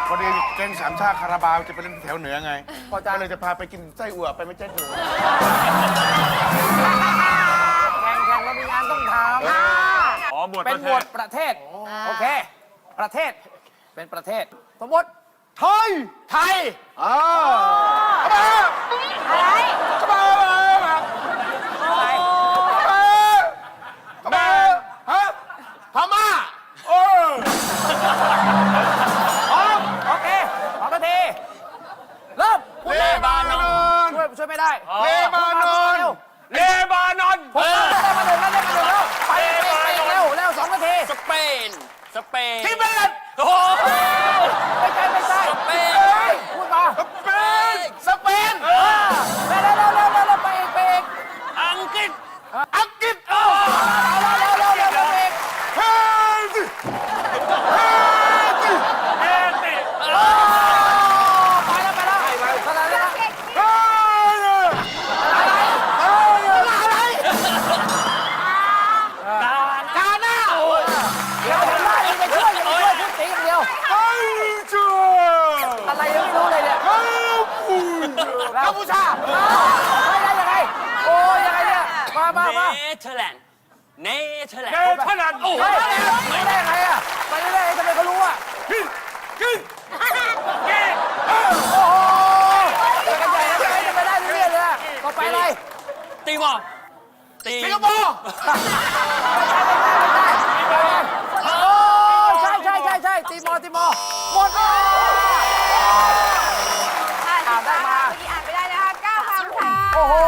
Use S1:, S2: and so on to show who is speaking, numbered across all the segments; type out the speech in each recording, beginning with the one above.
S1: พอดีแกงสามชาติคาราบาวจะไปเล่นแถวเหนือไงก็เลยจะพาไปกินไส้อั่วไปไม่ใช่ถั่ว
S2: แข่งแล้วมีงานต้องทำ
S3: อ๋อหมวด
S2: เป็นหมวดประเทศโอเคประเทศเป็นประเทศสมมติ
S1: ไทย
S2: ไทย
S1: อ่า
S4: อะไร
S1: กระบา
S2: ไทย
S1: กระบาฮะพม่าโอ้
S2: พร้อมโอเค2 นาทีเริ่มพูด
S1: เล
S2: เลย
S1: บานอน
S2: ช่วยไม่ได้
S1: เลบานอน
S3: เลบานอน
S2: ผมได้มาหนึ่งแล้วไปเร็ว2 นาที
S3: สเปนสเปน
S1: ทิเบต
S3: โอ้โห
S2: ไม่ใช่
S3: สเปน
S2: พูดมา
S1: สเปนสเปน
S2: เร็วไปอีก
S3: อังกฤษ
S1: อังกฤษ
S2: เร็วอีก
S1: เฮ้ย
S3: เอติ
S2: ไปแล้วเท่าไหร่แล้ว
S1: เฮ้ยอะไร
S3: กาหน้าโอ้ย
S2: เดี๋ยวผมไล่ไปช่วยคุณตีอย่างเดียว
S1: เฮ้ยชัว
S2: อะไรยังไม่รู้เลยเนี่ย
S1: เฮ้ยกัมพูชา
S2: ไม่ได้ยังไงโอ้ยังไงเนี่ยมา
S3: เนเธอร์แลนด์เนเธอร์แลนด์
S1: เท่านั้นโอ้โห
S2: ไม่ได้ยังไงอ่ะไปเรื่อยๆทำไมเขารู้อ่ะ
S1: กิน
S2: โอ้โหไปกันใหญ่แล้วจะไปได้เรื่อยๆเลยต่อไปอะไร
S3: ตีมอร์ตี
S1: สิงคโปร์
S2: โอ้ใช่ตีมอหมดเลย
S4: อ่านได้มาเมื่อกี้อ่านไม่ได้นะคะ9 คำค่ะ
S2: โอ้โห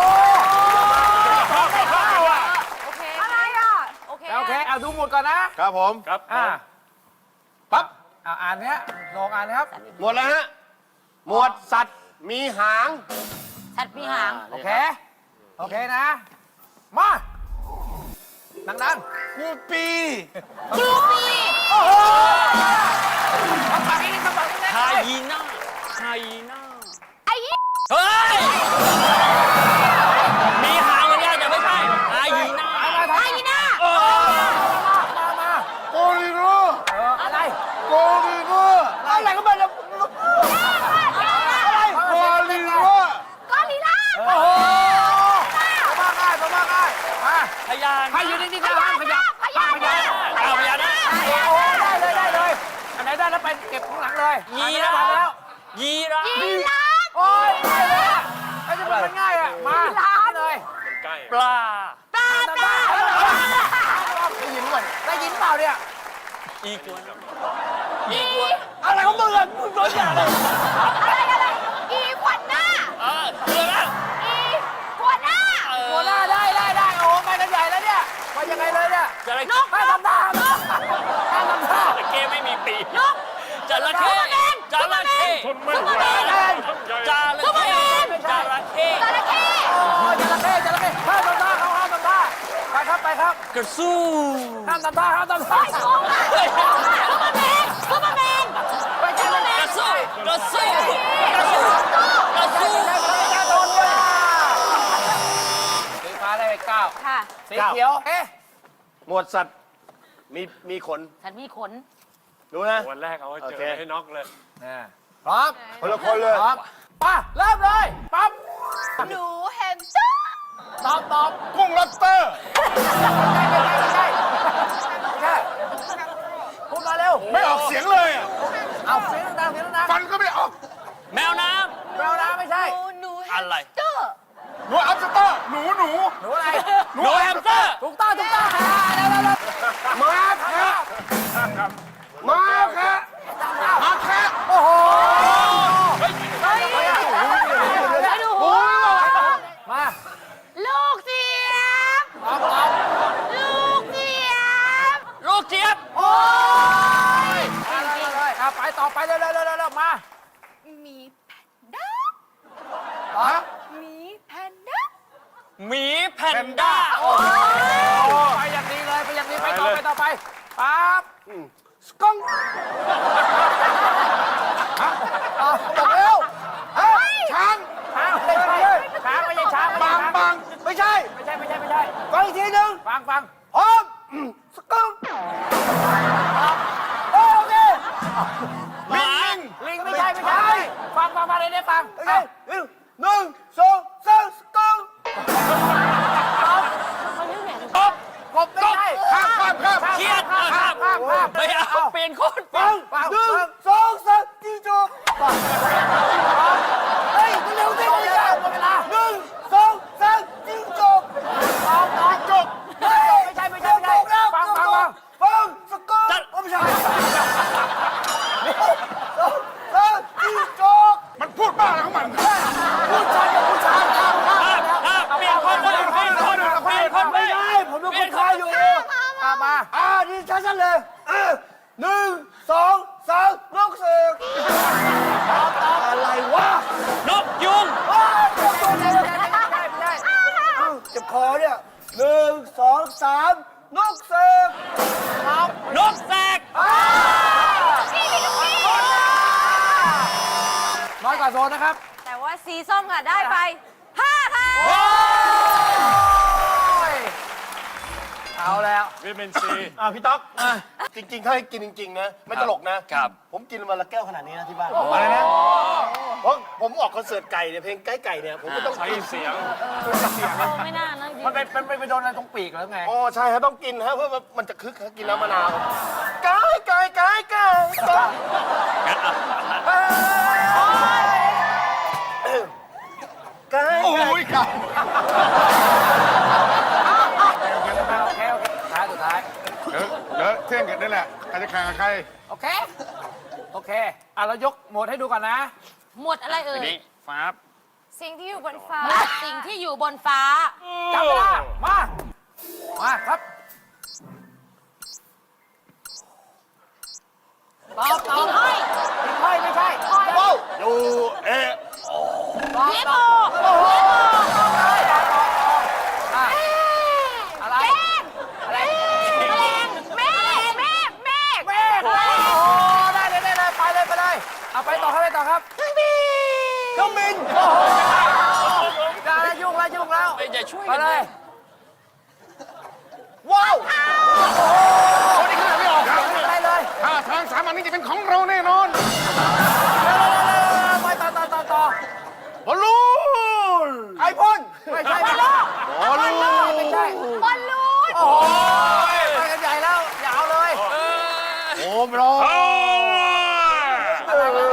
S4: โอเคอะไรอ่ะโอเค
S2: โอเคเอาดูหมดก่อนนะครับ
S1: ผม
S3: ครับ
S1: ปั๊บ
S2: อ่านเนี้ยลองอ่านนะครับ
S1: หมดแล้วฮะหมวดสัตว์มีหาง
S4: สัตว์มีหาง
S2: โอเคนะ มาดัง
S1: กูปี
S4: กรูปี
S2: ๆโอ้โหคำสั่งนี้คำสั่งนี้
S3: ไฮยีน่าไฮยีน่า
S4: ไอ้ยี่
S3: เฮ้ยมีหางเหมือนกันแต่ไม่ใช่ไฮยีน่า
S4: ไอ้ยีน่า
S2: มา
S1: โกริโร
S2: อะไร
S1: โกริโรอะไรก็มาเนี่ยโกริโร
S4: กอริลลา
S2: โอ้โหมาง่ายมา
S3: พยาน
S2: ให้อยู่นิ่งๆนะห้ามขยับ
S4: พญานาค
S3: เอาพยานนะ
S2: โอ้ได้เลยอันไหนได้แล้วไปเก็บข้างหลังเลย
S3: ยี
S2: รา
S3: รา
S2: ฟแล้ว
S3: ยีรา
S4: ยีราฟ
S2: โอ้ยได้เลยไอ้จะเป็นง่ายอ่ะมาเลย
S3: ปลา
S4: ปลา
S2: ได้ยินก่อนได้ยินเปล่าเนี่ย
S3: อีกวน
S2: อะไรของมึงอ่ะมึงโดนอย่างเลย
S4: อะไรอีขวัญหน้า
S3: เรือแล้ว
S4: อีขวัญหน้า
S2: หัวหน้าได้โอ้ไปกันใหญ่แล้วเนี่ยไปยังไงเลยเนี่ย
S3: จระ
S2: นกห้ามทำท่าห้ามทำท่า
S3: เข้ไม่มีปีกจระเข้จระเข้
S4: ซุปเปอร์แมน
S3: จระเข้จระเข้
S4: จระเข้
S2: โอ้ยจระเข้ห้ามทำท่าเขาห้ามทำท่าไปครับ
S3: กระสู้
S2: ห้ามทำท่า
S4: ซุปเปอร์แมนซุปเปอร์แมน
S2: ไปจับ
S3: กระสู้กระสู้กระสู้กระสู้
S2: โดนเลยสีฟ้าได้ไป9
S4: ค่ะ
S2: สีเขียวเอ๊ะ
S1: หมวดสัตว์มีขน
S4: ฉันมีขน
S1: ดูนะ
S3: วันแรกเอาเจอให้น็อกเลย
S2: พร้อม
S1: คนละคนเลย
S2: พร้อมมาเริ่มเลยปั๊บ
S4: หนูแฮมสเตอร์
S2: ตอบ
S1: กุ้งล็อบสเตอร์
S2: ไม่ใช่พูดมาเร็ว
S1: ไม่ออกเสียงเลยอะ
S2: เอาเสียงดัง
S1: ฟันก็ไม่ออก
S3: แมวน้
S2: แมวน้ำไม่ใช่
S4: หนูแฮ
S3: ำอะ
S4: ม
S3: ไร
S4: สเตอร์
S1: หนูอัพสเตอร์หนู
S2: หนูอะไร
S3: หนูแฮมสเตอร์
S2: ถูกต้องค่ะเร็ว
S1: มาแคะมาแคะมาแคะ
S2: โอ้โห
S4: ไปดู
S1: โอ้ย
S2: มา
S4: ลูกเสียบ
S2: ตอบ
S4: ลูกเสียบ
S3: ลูกเจี๊ยบ
S2: โอ้ยเลยไปต่อไปเร็วมา
S4: มีแพนด้า
S2: ฮะ
S4: มีแพนด้า
S3: หมีแพนด้า
S2: โอ้ไปอย่างนี้เลยไปต่อไปปั๊บสก้องบอกเร็ว
S1: ช้าง
S2: ช้างไม่ใช่ช้าง
S1: บางไม่ใช่
S2: ไม่ใช่
S1: ฟังอีกทีหนึ่ง
S2: ฟัง
S1: พร้อมสกุ้ง
S2: โอเค
S1: ลิง
S2: ลิงไม่ใช่ไม่ใช่ฟังมาเลยได้ฟัง
S5: 1 2 3สกง
S2: กบไม่ใช่
S1: ข้าม
S3: เครียด
S2: ข้าม
S3: ไม่เอาเปลี่ยนคนเปลี่ยน
S5: 1 2 3จิ้งจกเฮ้ยเร็วสิ
S2: หมดเวลา
S5: 1 2 3จิ้งจก
S2: จบไม่ใช่ฟัง
S5: ฟังสกงไม่ใช่จิ้งจก
S1: มันพูดบ้าอะไรของมัน
S5: ผู้ชายกับผู้ชาย
S3: เปลี่ยนคนไม่ได้
S5: ไม่ได้ผมเป็นคนไทยอยู่
S2: มา
S5: นี่ชัดๆเลย1 2 3นกเสือกอะไรวะ
S3: นกยุง
S2: ไม่ใช่
S5: เจ็บคอเนี่ย1 2 3นกเสือก
S3: นกแสก
S2: น้อยกว่าโซนนะครับ
S4: แต่ว่าสีส้มค่ะได้ไป5ค่ะ
S2: เอาแล้ว
S3: วิตามินซี
S5: พี่ต๊อกจริงๆ ถ้าให้กินจริงๆ นะ ไม่ตลกนะ
S3: ครับ
S5: ผมกินวันละแก้วขนาดนี้นะที่บ้านอะไรนะเพราะผมออกคอนเสิร์ตไก่เนี่ยเพลงไก่เนี่ยผมก็ต้อง
S3: ใช้เสียง
S4: ไม่น่านะ
S2: มันไปโดนอะไรตรงปีกแล้วไง
S5: อ๋อใช่ฮะต้องกินฮะเพื่อมันจะคึกฮะกินน้ำมะนาวไก่ไก่
S1: โอ้ยครับ
S2: โอเคสุดท้าย
S1: เดี๋ยวเที่ยงกันนี่แหละใครจะแข่งกับใคร
S2: โอเคเรายกโหมดให้ดูก่อนนะ
S4: หมวดอะไรเอ่ย
S3: นี่ฟ้า
S4: สิ่งที่อยู่บนฟ้า สิ่งที่อยู่บนฟ้า
S2: จับเวลามาครับตอบ
S4: หิ่งห้อย
S2: ไม่ใช่
S5: ดูเอ๊ะ
S4: เยโม
S2: อะไร
S4: แมลงเมฆ
S2: โอ้ได้เลยไปเลยเอาไปต่อครับเครื่องบินได้ยุ่งแล้ว
S3: ไม่จะช่วย
S2: ไปเลย
S5: ว้าว
S1: คนนี้ขนาดไม่ออกครับ
S2: ได้เลย
S1: ถ้าทางสามัญนี้จะเป็นของเราแน่นอน
S2: ไปต่อ
S1: บอลลูน
S5: ไอพ่น
S2: ไม่ใช่
S1: บอลลูน
S2: ไม่ใช่
S4: บอลลูน
S2: โอ้ยไปกันใหญ่แล้วยาวเลย
S1: โอมรอ
S3: โอ้
S1: โอ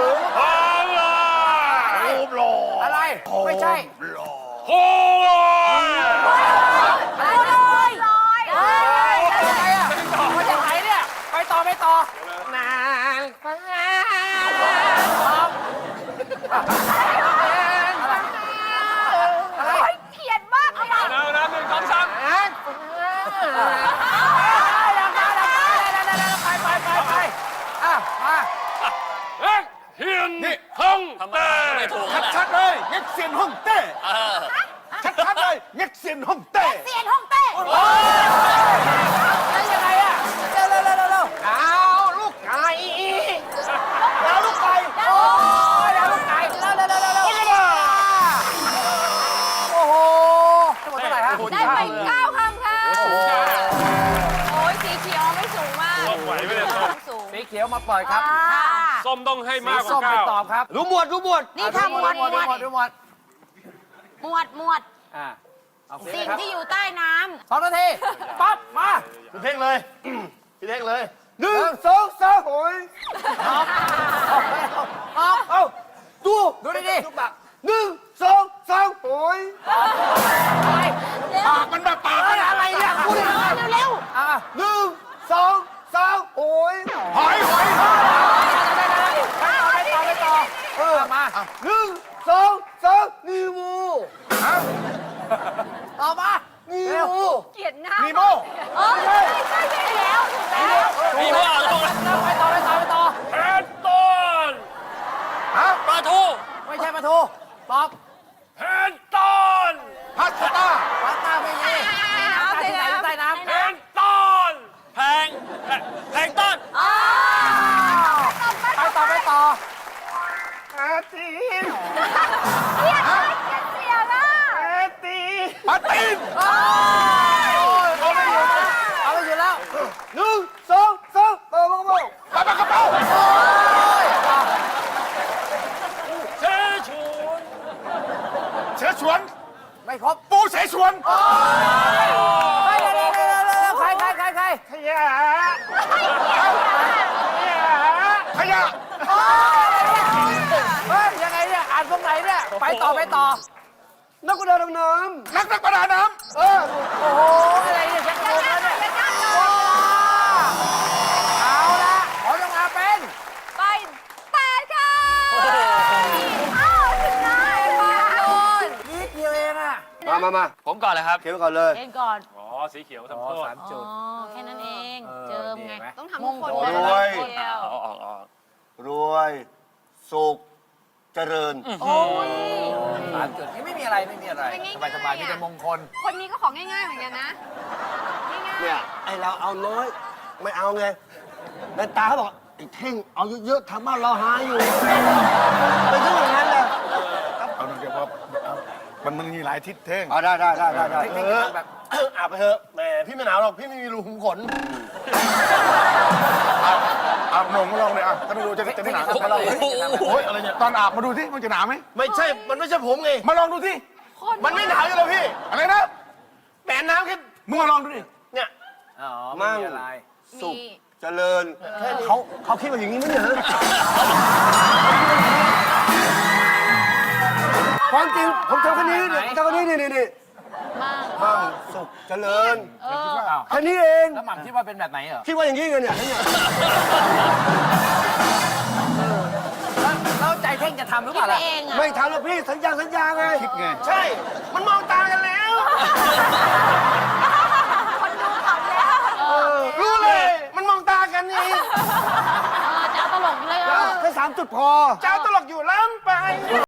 S1: มรอ
S2: อะไรไม่ใช่
S3: โห
S4: ลอย
S2: ยังไงอะมาจากไหนเนี่ยไปต่อ
S5: นาน
S2: อะไร
S4: เขียนมากเลย
S3: แล้วนะ1 2 3
S2: ไปมา
S3: เฮ้ยเฮียนนี่ห้องแต่ไม่ถูก
S1: ชัดๆเลยเง็กเซียนฮ่องเต้
S3: เออ
S1: ชัดๆเลยเง็กเซียนฮ่องเต้
S4: เสียนฮ่องเต้
S2: ยังไงอะเร็ว
S5: เอาลูกไก่เอาลูกไก่
S2: โอ้ยแล้วลูกไก่เร็วโอ้โหทั้งหมดเท่าไหร่ฮะ
S4: ได้ไป9คำค่ะโอ้ยสีเขียวไม่สูงมาก
S3: ไหวไหมเนี่ยส้ม
S4: สูง
S2: สีเขียวมาปล่อยครับ
S3: ส้มต้องให้
S2: สี
S3: มากก
S2: ส้
S3: ว่าม
S2: ไป
S3: 9
S2: ตอบครับ
S5: รู้หมวด
S4: นี่ค่ะหมวด
S2: ดูหมด เอาสี
S4: สิ่ง
S2: ครับ
S4: ที่อยู่ใต้น้
S2: 2 นาทีปั๊บมา
S5: พี่เท่งเลยพี่เท่งเลย1 2 3โอ้ย
S2: ออก
S5: เอ้าดู
S2: ดูดิ
S5: ดูปาก1 2 3โอ้ย
S1: ปากมันแบบปากมัน
S2: อะไรเนี่ยพูดเลย
S4: ำเร็ว
S2: อ่ะ
S5: 1 2 3โอ้ย
S1: หอย
S2: ไปต่อมา
S5: 1 2 3นีมู
S2: ต่อมา
S5: นี
S2: เร็ว
S5: มู
S4: เกลียดหน้า
S1: นีโม
S4: เออใช่แล้วถูกแล้ว
S3: มีว่าลง
S2: ไปต่อ
S3: แอนต้นปลาทู
S2: ไม่ใช่ปลาทูตอบ
S3: แอนต้น
S1: พัสต้า
S2: ปลาตาไม่มี
S4: น้ำ
S2: ที่ไหนใต้น้ำ
S3: แอนต้นแพงต้น
S4: อ๋อ
S2: ไปต่อ
S5: อาตีน
S4: เกลียดเสียงอ่ะ
S5: อาตีน
S1: ปาตีน
S2: เอาไม่อยู่แล้ว
S5: 1 2 3โอ้โห
S1: ปลากระเป๋า
S2: ตเฮ้ยเร็วใคร
S1: ขยะขยะ
S2: เฮ้ยยังไงเนี่ยอ่านตรงไหนเนี่ยไปต่อ
S5: นักกุดาดำน้
S1: นักประดาน้
S5: ำ
S2: โอ้โหอะไรเนี่ยชักกระโดดแล้วเนี่ยเอาละขอลงมาเป็น
S4: ไปแปดค่ะอ้าวถึงได้ปาโดน
S2: นิดเดียวเองอะ
S5: มา
S3: ผมก่อนเลยครับ
S5: เขียนก่อนเลย
S4: เล่นก่อน
S3: อ๋อ สีเขียวทำโทษ
S2: 3 จุด
S4: อ๋อ แค่นั้นเอง เจิมไง
S2: ต้อง
S4: ทำทุกคน
S5: ร
S4: เลย
S5: วย
S4: เดียว
S3: ออก
S5: รวย สุข เจริญ
S4: โอ้ย
S2: 3 จุดนี่ไม่มีอะไรสบายมีแต่มงคล
S4: คนนี้ก็ของง่ายๆเหมือนกันนะ ง่าย
S5: เนี่ย ไอเราเอาน้อย ไม่เอาไงในตาเขาบอกไอ้เท่ง เอาเยอะๆทำบ้านเราหาอยู่เป็นเรื่องอย่างนั้นเลย
S1: เอาหน่อยเดี๋ยวพอมันมีหลายทิศเท่ง
S5: ได้
S2: เท่งๆแบบ
S5: อาบไปเถอะแหมพี่ไม่หนาวหรอก พี่ไม่มีรูขุมขน
S1: อาบหนงมาลองเลยอ่ะถ้าไม่รู้จะไม่หนาวมาลองโอ้ยอะไรเนี่ยตอนอาบมาดูที่มันจะหนาวไหม
S5: ไม่ใช่ มันไม่ใช่ผมไง
S1: มาลองดูที่
S4: ๆคน
S5: มันไม่หนาวอยู่แล้วพี่
S1: อะไรนะ
S5: แหมน้ำแค่
S1: มึงมาลองดูดิ
S5: เนี่ย
S2: อ๋อไม่มีอะไร
S5: สุข
S4: มี
S5: เจริญเขาคิดว่าอย่างนี้มั้ยเนี่ยฮะความจริงผมทำแค่นี้เนี่ยทำแค่นี้นี่
S4: มาก
S5: มั่งสุขเจริญ
S2: อ้าว
S5: แค่นี้เอง
S2: แล้วหม่ำคิดว่าเป็นแบบไหนเหรอ
S5: คิดว่าอย่างนี้กันเนี่ย
S2: แล้วใจเท่งจะทำหรือเป
S4: คิด
S2: ล่า
S4: ไป
S2: ล่ะ
S4: เองอ่ะ
S5: ไม่ทำแล้วพี่สัญญาไง
S1: คิดไง
S5: ใช่ มันมองตากันแล้ว
S4: คนดูขำแล้ว
S5: รู้เลย มันมองตากันนี่
S4: จะเอาตลกเลยเหรอ
S5: แค่3 จุดพอ
S1: เจ้าตลกอยู่ล้ำไป